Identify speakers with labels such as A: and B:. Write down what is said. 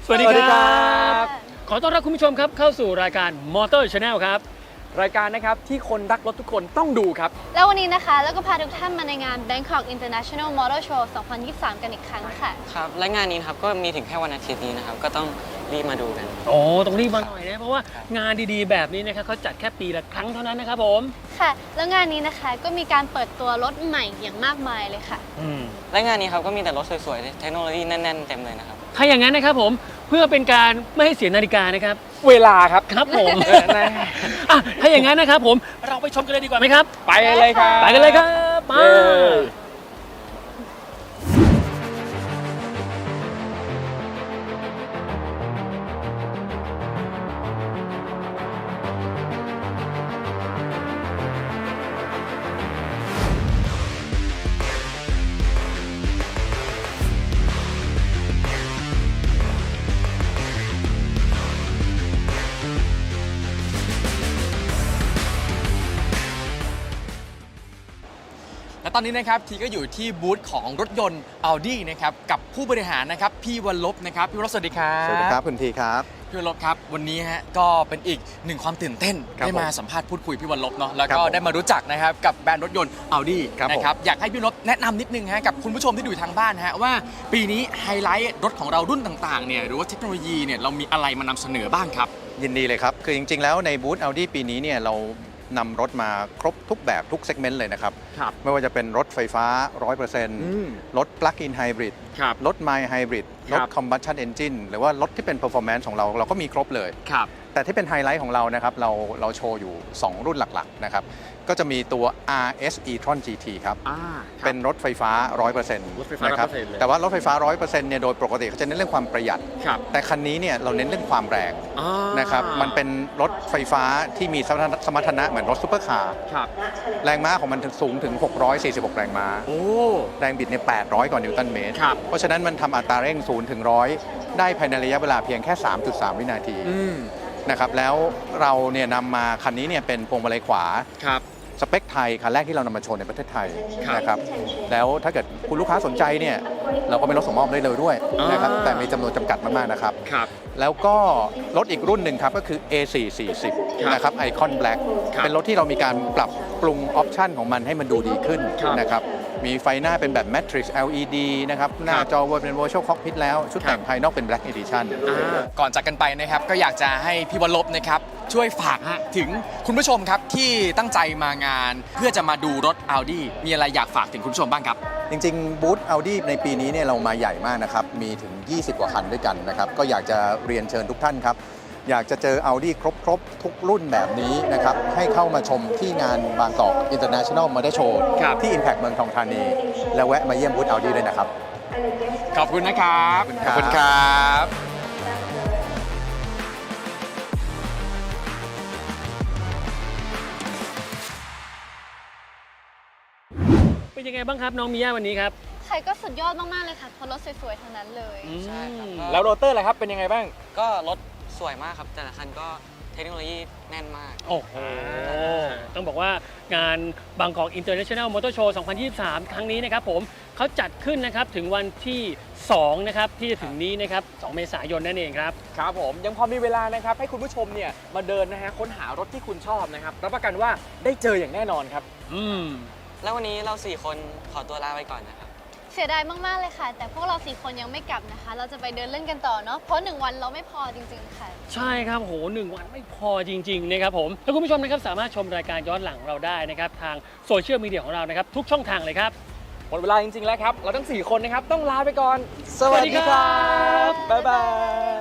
A: สวัสดีครับขอต้อนรับคุณผู้ชมครับเข้าสู่รายการ Motor Channel ครับ
B: รายการนะครับที่คนรักรถทุกคนต้องดูครับ
C: แล้ววันนี้นะคะแล้วก็พาทุกท่านมาในงาน Bangkok International Motor Show 2023 กันอีกครั้งค่ะ
D: ครับและงานนี้นะครับก็มีถึงแค่วันอาทิตย์นี้นะครับก็ต้องรีบมาดูกัน
A: โอ้ต้องรีบมาหน่อยนะเพราะว่างานดีๆแบบนี้นะครับเขาจัดแค่ปีละครั้งเท่านั้นนะครับผม
C: ค่ะแล้วงานนี้นะคะก็มีการเปิดตัวรถใหม่อย่างมากมายเลยค่ะ
D: และงานนี้ครับก็มีแต่รถสวยๆเทคโนโลยีแน่นๆเต็มเลยนะครับ
A: ถ้าอย่างนั้นนะครับผมเพื่อเป็นการไม่ให้เสียนาฬิกานะครับ
B: เวลาครับ
A: ครับผมถ้าอย่างนั้นนะครับผมเราไปชมกันเลยดีกว่าไหมครับ
B: ไปเลยครับ
A: ไปกันเลยครับมา
B: และตอนนี้นะครับทีก็อยู่ที่บูธของรถยนต์ Audi นะครับกับผู้บริหารนะครับพี่วรลบนะครับพี่วรลบสวัสดีครับ
E: สวัสดีครับคุณทีครับ
B: พี่วรลบครับวันนี้ฮะก็เป็นอีกหนึ่งความตื่นเต้นได้มาสัมภาษณ์พูดคุยพี่วรลบเนาะแล้วก็ได้มารู้จักนะครับกับแบรนด์รถยนต์ Audi นะครับอยากให้พี่วรลบแนะนำนิดนึงฮะกับคุณผู้ชมที่ดูทางบ้านฮะว่าปีนี้ไฮไลท์รถของเรารุ่นต่างๆเนี่ยหรือว่าเทคโนโลยีเนี่ยเรามีอะไรมานำเสนอบ้างครับ
E: ยินดีเลยครับคือจริงๆแล้วในบูธ Audi ปีนี้เนี่ยเรานำรถมาครบทุกแบบทุกเซกเมนต์เลยนะครับไม่ว่าจะเป็นรถไฟฟ้า 100% รถ Plug-in Hybrid รถ Mild Hybrid รถ Combustion Engine หรือว่ารถที่เป็น Performance ของเราก็มีครบเลยแต่ที่เป็นไฮไลท์ของเรานะครับเราโชว์อยู่ 2 รุ่นหลักๆนะครับก็จะมีตัว RS e-tron GT ครับเป็นรถไฟฟ้า 100% นะครับแต่ว่ารถไฟฟ้า 100% เนี่ยโดยปกติเขาจะเน้นเรื่องความประหยัดแต่คันนี้เนี่ยเราเน้นเรื่องความแรงนะครับมันเป็นรถไฟฟ้าที่มีสมรรถนะเหมือนรถซุปเปอร์คาร์แรงม้าของมันสูงถึง646แรงม้าแรงบิดเนี่ย800กว่านิวตันเมตรเพราะฉะนั้นมันทำอัตราเร่ง0ถึง100ได้ภายในระยะเวลาเพียงแค่ 3.3 วินาทีนะครับแล้วเราเนี่ยนำมาคันนี้เนี่ยเป็นพวงมาลัยขวาสเปคไทยคันแรกที่เรานำมาโชว์ในประเทศไทยนะครับแล้วถ้าเกิดคุณลูกค้าสนใจเนี่ยเราก็เป็นรถส่งมอบได้เลยด้วยนะครับแต่มีจำนวนจำกัดมากๆนะครับแล้วก็รถอีกรุ่นหนึ่งครับก็คือ A440 นะครับไอคอนแบล็กเป็นรถที่เรามีการปรับปรุงออปชันของมันให้มันดูดีขึ้นนะครับมีไฟหน้าเป็นแบบ Matrix LED นะครับหน้าจอเป็น Virtual Cockpit แล้วชุดแต่งภายนอกเป็น Black Edition
B: ก่อนจากกันไปนะครับก็อยากจะให้พี่วรลบนะครับช่วยฝากถึงคุณผู้ชมครับที่ตั้งใจมางานเพื่อจะมาดูรถ Audi มีอะไรอยากฝากถึงคุณผู้ชมบ้างครับ
E: จริงๆบูธ Audi ในปีนี้เนี่ยเรามาใหญ่มากนะครับมีถึง20กว่าคันด้วยกันนะครับก็อยากจะเรียนเชิญทุกท่านครับอยากจะเจอ Audi ครบทุกรุ่นแบบนี้นะครับให้เข้ามาชมที่งานบางกอก International Motor Show ที่ Impact เมืองทองธานีแล้วแวะมาเยี่ยมบูธ Audi ด้วยนะครับ
B: ขอบคุณนะครับขอบคุณครับ
A: เป็นยังไงบ้างครับน้องมิย่าวันนี้ครับ
C: ใครก็สุดยอดมากๆเลยค่ะเพราะรถสวยๆทั้งนั้นเลย
D: ใช่ครับ
B: แล้วโรเตอร์ล่ะครับเป็นยังไงบ้าง
D: ก็รถสวยมากครับแต่ละคันก็เทคโนโลยีแน่นมาก
A: โอ้โหต้องบอกว่างานบางกอก International Motor Show 2023 ครั้งนี้นะครับผมเขาจัดขึ้นนะครับถึงวันที่2นะครับที่จะถึงนี้นะครับ2 เมษายนนั่นเองครับ
B: ครับผมยังพอมีเวลานะครับให้คุณผู้ชมเนี่ยมาเดินนะฮะค้นหารถที่คุณชอบนะครับรับประกันว่าได้เจออย่างแน่นอนครับ
D: แล้ววันนี้เรา4คนขอตัวลาไปก่อนนะครับ
C: เสียดายมากๆเลยค่ะแต่พวกเรา4คนยังไม่กลับนะคะเราจะไปเดินเล่นกันต่อเนาะเพราะ1วันเราไม่พอจริงๆค่ะ
A: ใช่ครับโห1วันไม่พอจริงๆนะครับผมแล้วคุณผู้ชมนะครับสามารถชมรายการย้อนหลังเราได้นะครับทางโซเชียลมีเดียของเรานะครับทุกช่องทางเลยครับ
B: หมดเวลาจริงๆแล้วครับเราทั้ง4คนนะครับต้องลาไปก่อนสวัสดีครับบ๊ายบาย